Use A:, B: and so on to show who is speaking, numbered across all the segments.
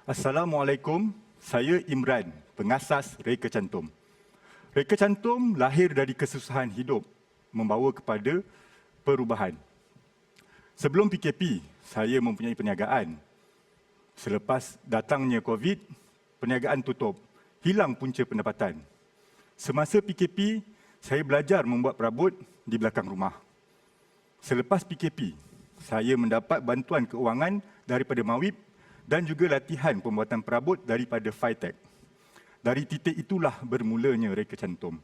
A: Assalamualaikum, saya Imran, pengasas Reka Cantum. Reka Cantum lahir dari kesusahan hidup, membawa kepada perubahan. Sebelum PKP, saya mempunyai perniagaan. Selepas datangnya COVID, perniagaan tutup, hilang punca pendapatan. Semasa PKP, saya belajar membuat perabot di belakang rumah. Selepas PKP, saya mendapat bantuan keuangan daripada Mawib dan juga latihan pembuatan perabot daripada Fitech. Dari titik itulah bermulanya Reka Cantum.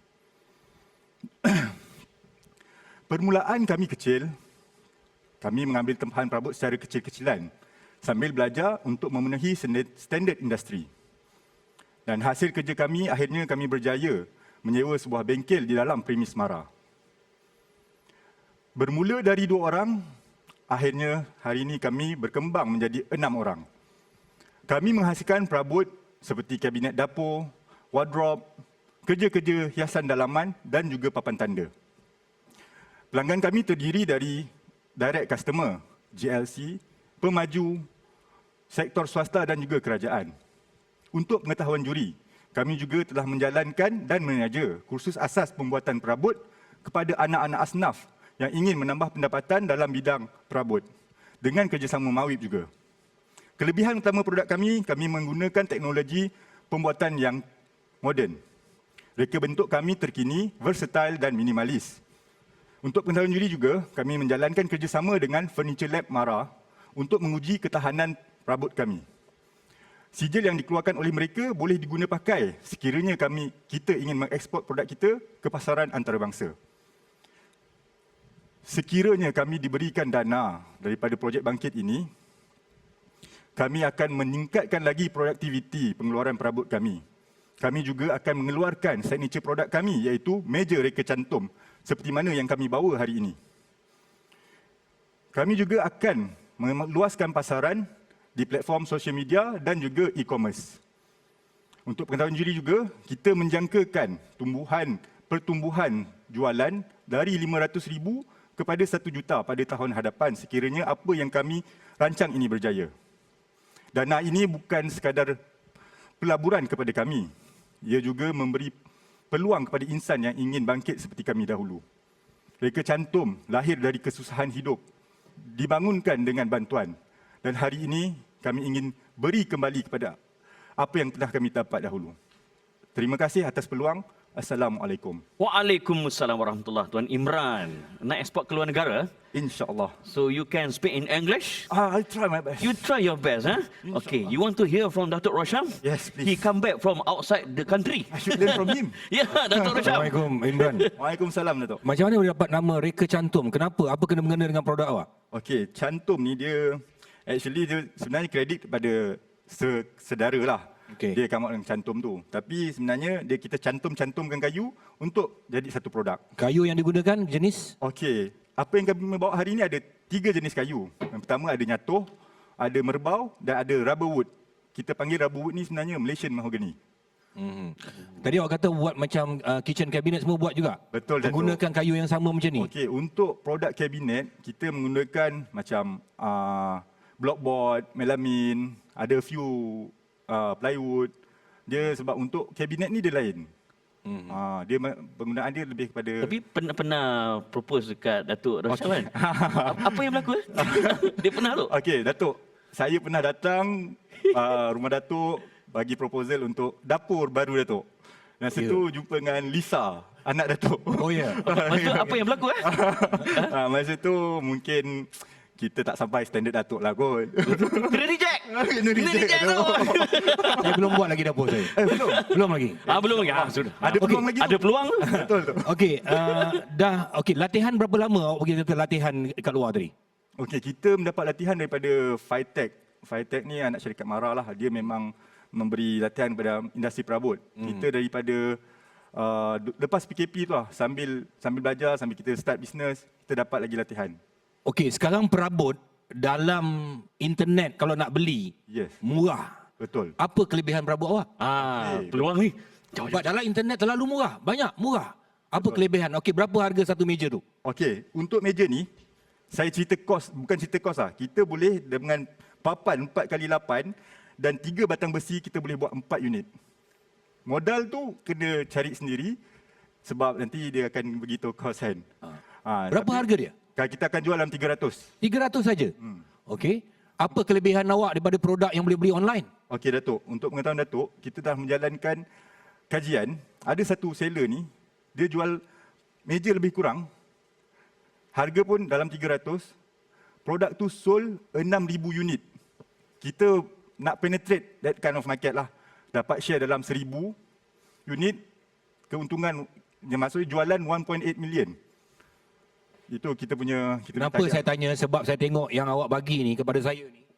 A: Permulaan kami kecil, kami mengambil tempahan perabot secara kecil-kecilan sambil belajar untuk memenuhi standard industri. Dan hasil kerja kami, akhirnya kami berjaya menyewa sebuah bengkel di dalam premis Mara. Bermula dari 2 orang, akhirnya hari ini kami berkembang menjadi 6 orang. Kami menghasilkan perabot seperti kabinet dapur, wardrobe, kerja-kerja hiasan dalaman dan juga papan tanda. Pelanggan kami terdiri dari direct customer, GLC, pemaju, sektor swasta dan juga kerajaan. Untuk pengetahuan juri, kami juga telah menjalankan dan menaja kursus asas pembuatan perabot kepada anak-anak asnaf yang ingin menambah pendapatan dalam bidang perabot dengan kerjasama Mawib juga. Kelebihan utama produk kami menggunakan teknologi pembuatan yang moden. Reka bentuk kami terkini, versatile dan minimalis. Untuk pengetahuan juri juga, kami menjalankan kerjasama dengan Furniture Lab Mara untuk menguji ketahanan perabot kami. Sijil yang dikeluarkan oleh mereka boleh diguna pakai sekiranya kita ingin mengeksport produk kita ke pasaran antarabangsa. Sekiranya kami diberikan dana daripada projek bangkit ini, kami akan meningkatkan lagi produktiviti pengeluaran perabot kami. Kami juga akan mengeluarkan signature produk kami iaitu meja Reka Cantum seperti mana yang kami bawa hari ini. Kami juga akan meluaskan pasaran di platform sosial media dan juga e-commerce. Untuk pengetahuan juri juga, kita menjangkakan pertumbuhan jualan dari 500,000 kepada 1 juta pada tahun hadapan sekiranya apa yang kami rancang ini berjaya. Dana ini bukan sekadar pelaburan kepada kami. Ia juga memberi peluang kepada insan yang ingin bangkit seperti kami dahulu. Reka Cantum lahir dari kesusahan hidup, dibangunkan dengan bantuan. Dan hari ini kami ingin beri kembali kepada apa yang telah kami dapat dahulu. Terima kasih atas peluang. Assalamualaikum.
B: Waalaikumsalam warahmatullahi. Tuan Imran, nak ekspor ke luar negara?
A: InsyaAllah.
B: So you can speak in English?
A: I'll try my best.
B: You try your best, huh? Okay, you want to hear from Datuk Rosham?
A: Yes, please.
B: He come back from outside the country.
A: I should learn from him.
B: Ya, Datuk Rosham.
C: Assalamualaikum, Imran.
A: Waalaikumsalam, Datuk.
C: Macam mana boleh dapat nama Reka Cantum? Kenapa? Apa kena-mengena dengan produk awak?
A: Okey, Cantum ni dia sebenarnya kredit kepada sedara lah.
C: Okay.
A: Dia come out dengan Cantum tu. Tapi sebenarnya kita cantumkan kayu untuk jadi satu produk.
C: Kayu yang digunakan jenis?
A: Okey, apa yang kami bawa hari ini ada 3 jenis kayu. Yang pertama ada nyatoh, ada merbau dan ada rubber wood. Kita panggil rubber wood ni sebenarnya Malaysian mahogany.
C: Tadi awak kata buat macam kitchen cabinet semua buat juga?
A: Betul, Datuk.
C: Menggunakan kayu yang sama macam ni?
A: Okey, untuk produk kabinet kita menggunakan macam blockboard, melamine, ada few plywood. Dia sebab untuk kabinet ni dia lain. Dia penggunaan dia lebih kepada.
B: Tapi pernah propose dekat Datuk Rosham kan? Apa yang berlaku? Dia pernah tu?
A: Okey, Datuk. Saya pernah datang rumah Datuk bagi proposal untuk dapur baru Datuk. Dan situ jumpa dengan Lisa, anak Datuk.
C: Oh ya.
B: Maksud apa yang berlaku?
A: Masa tu mungkin kita tak sampai standard Datuk lah kot.
B: Kena reject.
A: Kena reject
B: tu.
C: Saya belum buat lagi dapur saya.
A: Belum?
C: Belum lagi.
B: Belum lagi. Sudah.
A: Ada peluang lagi tu.
B: Ada peluang.
A: Betul tu.
C: Okey, latihan berapa lama awak pergi kata latihan kat luar tadi?
A: Okey, kita mendapat latihan daripada Fitech. Fitech ni anak syarikat Mara lah. Dia memang memberi latihan kepada industri perabot. Kita daripada lepas PKP tu lah, sambil belajar, sambil kita start bisnes, kita dapat lagi latihan.
C: Okey, sekarang perabot dalam internet kalau nak beli, murah.
A: Betul.
C: Apa kelebihan perabot awak?
B: Peluang ni.
C: Sebab dalam internet terlalu murah, banyak murah. Apa kelebihan? Okey, berapa harga satu meja tu?
A: Okey, untuk meja ni, saya cerita kos, bukan cerita kos lah. Kita boleh dengan papan 4x8 dan 3 batang besi kita boleh buat 4 unit. Modal tu kena cari sendiri sebab nanti dia akan beritahu cost kan.
C: Berapa harga dia?
A: Kita akan jual dalam 300.
C: 300 saja. Okey. Apa kelebihan awak daripada produk yang boleh beli online?
A: Okey Datuk, untuk pengetahuan Datuk, kita dah menjalankan kajian. Ada satu seller ni, dia jual meja lebih kurang, harga pun dalam 300, produk tu sold 6,000 unit. Kita nak penetrate that kind of market lah. Dapat share dalam 1,000 unit, keuntungan, maksudnya jualan 1.8 million. Itu kita punya...
C: Kenapa saya tanya? Sebab saya tengok yang awak bagi ni kepada saya ni.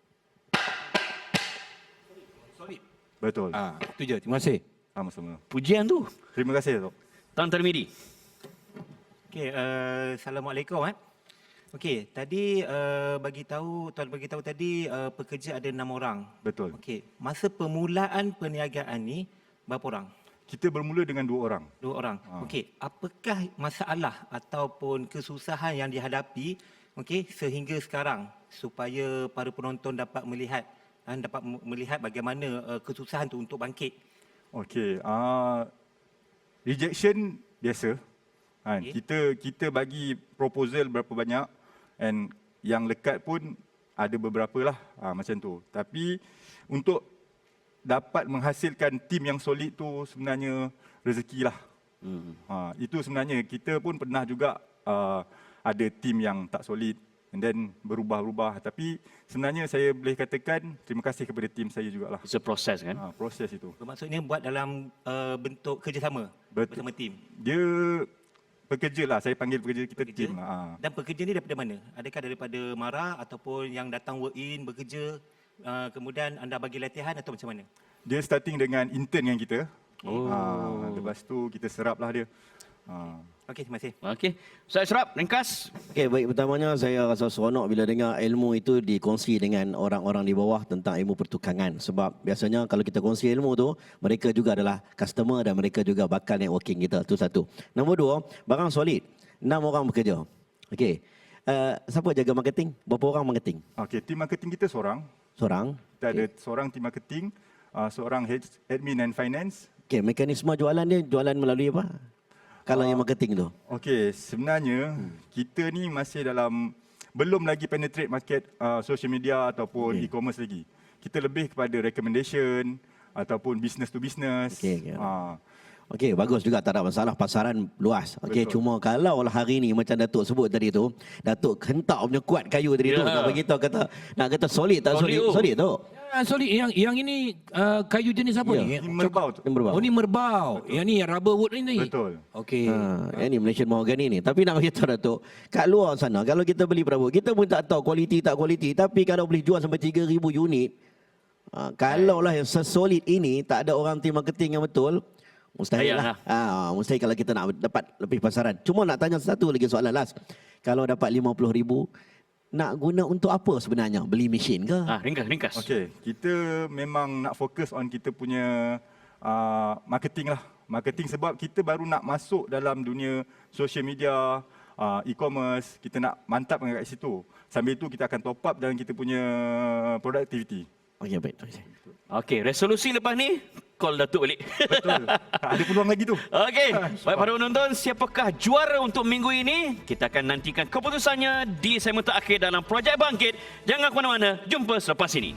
C: Solid.
A: Betul.
C: Itu je. Terima kasih.
A: Sama-sama.
B: Pujian tu.
A: Terima kasih Datuk.
B: Tuan Tarmidi.
D: Okey, assalamualaikum. Okey, tadi tuan bagi tahu tadi pekerja ada 6 orang.
A: Betul.
D: Okey, masa permulaan perniagaan ni berapa orang?
A: Kita bermula dengan 2 orang.
D: 2 orang. Okey, apakah masalah ataupun kesusahan yang dihadapi sehingga sekarang supaya para penonton dapat melihat bagaimana kesusahan tu untuk bangkit?
A: Okey, rejection biasa. Kita bagi proposal berapa banyak and yang lekat pun ada beberapa lah macam tu. Tapi untuk dapat menghasilkan tim yang solid tu sebenarnya rezeki lah. Itu sebenarnya kita pun pernah juga ada tim yang tak solid and then berubah-ubah. Tapi sebenarnya saya boleh katakan terima kasih kepada tim saya jugalah.
B: It's a process kan?
A: Proses itu.
D: Bermaksudnya buat dalam bentuk kerjasama bersama tim.
A: Dia pekerja lah, saya panggil pekerja kita tim.
D: Dan pekerja ni daripada mana? Adakah daripada MARA ataupun yang datang work in bekerja, kemudian anda bagi latihan atau macam mana?
A: Dia starting dengan intern dengan kita. Lepas tu kita serap lah dia.
D: Okey, terima kasih.
B: Okey. Ustaz Ashraf, ringkas.
E: Okey, baik, pertamanya saya rasa seronok bila dengar ilmu itu dikongsi dengan orang-orang di bawah tentang ilmu pertukangan. Sebab biasanya kalau kita kongsi ilmu tu, mereka juga adalah customer dan mereka juga bakal networking kita. Itu satu. Nombor 2, barang solid. 6 orang bekerja. Okey. Siapa jaga marketing? Berapa orang marketing?
A: Okey, tim marketing kita seorang.
E: Seorang.
A: Kita ada seorang tim marketing, seorang admin and finance.
E: Okey, mekanisme jualan dia jualan melalui apa? Kalau yang marketing tu.
A: Okey, sebenarnya kita ni masih belum lagi penetrate market social media ataupun e-commerce lagi. Kita lebih kepada recommendation ataupun business to business.
E: Okey, bagus juga, tak ada masalah, pasaran luas. Okey, cuma kalau hari ni macam Datuk sebut tadi tu, Datuk hentak punya kuat kayu tadi tu, nak bagi tahu nak kata solid tak solid? Solid tu.
C: Solid. Yang ini kayu jenis apa ni?
A: Ini merbau tu.
C: Oh, ni merbau. Yang ni rubber wood ni.
A: Betul.
C: Okey.
E: Ini Malaysian Mahogany ni. Tapi nak bagi tahu Datuk, kat luar sana kalau kita beli perabot, kita pun tak tahu kualiti tak kualiti, tapi kalau boleh jual sampai 3,000 unit, kalaulah yang sesolid ini tak ada orang tim marketing yang betul, mustahil lah. Mustahil kalau kita nak dapat lebih pasaran. Cuma nak tanya satu lagi soalan last. Kalau dapat 50,000, nak guna untuk apa sebenarnya? Beli mesin ke?
B: Ringkas.
A: Okey, kita memang nak fokus on kita punya marketing lah. Marketing sebab kita baru nak masuk dalam dunia social media, e-commerce, kita nak mantapkan kat situ. Sambil itu kita akan top up dalam kita punya productivity.
E: Okey, baik.
B: Okey, resolusi lepas ni, call Datuk balik.
A: Betul. Ada peluang lagi tu.
B: Okey, baik para penonton, siapakah juara untuk minggu ini? Kita akan nantikan keputusannya di segmen terakhir dalam Projek Bangkit. Jangan ke mana-mana, jumpa selepas ini.